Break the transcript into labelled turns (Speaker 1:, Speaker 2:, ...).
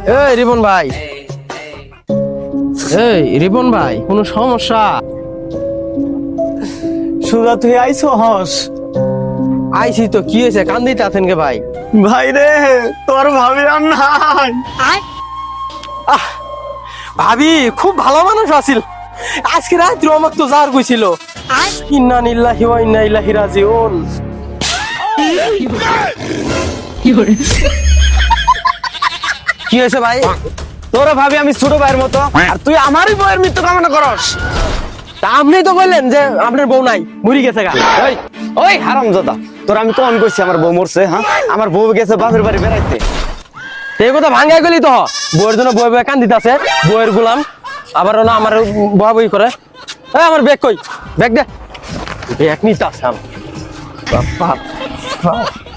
Speaker 1: এই রিপন ভাই, এই রিপন ভাই, কোনো সমস্যা?
Speaker 2: সুজা তুই আইছো হস?
Speaker 1: আইছি তো, কি হয়েছে? কান্দিতে আছেন কে ভাই?
Speaker 2: ভাই রে, তোর ভাবি আর নাই।
Speaker 1: আহ, ভাবি খুব ভালো মানুষ আছিল। আজকে রাত্রে আমার তো যার কইছিল ইন্না নিল্লাহি ওয়া ইন্না ইলাইহি রাজিউন। কি হয়েছে ভাই?
Speaker 2: তোর ভাবি আমি ছোট ভাইয়ের মতো, আর তুই আমারই বউয়ের মৃত্যু কামনা করস।
Speaker 1: তা আপনি তো বললেন যে আপনার বউ নাই, মরি গেছে গা।
Speaker 2: ওই ওই হারামজাদা, তোর আমি কখন কইছি আমার বউ মরছে? হ্যাঁ, আমার বউ গেছে বাপের বাড়ি বেড়াইতে।
Speaker 1: এই কথা ভাঙ্গাই গেলি তো, বউয়ের জন্য বই বই কান্দিতে আছে, বউয়ের গুলাম আবার না আমার বয়া বই করে। আমার ব্যাগ কই? ব্যাগ দে। ব্যাগ নিতে আসলাম বাবা।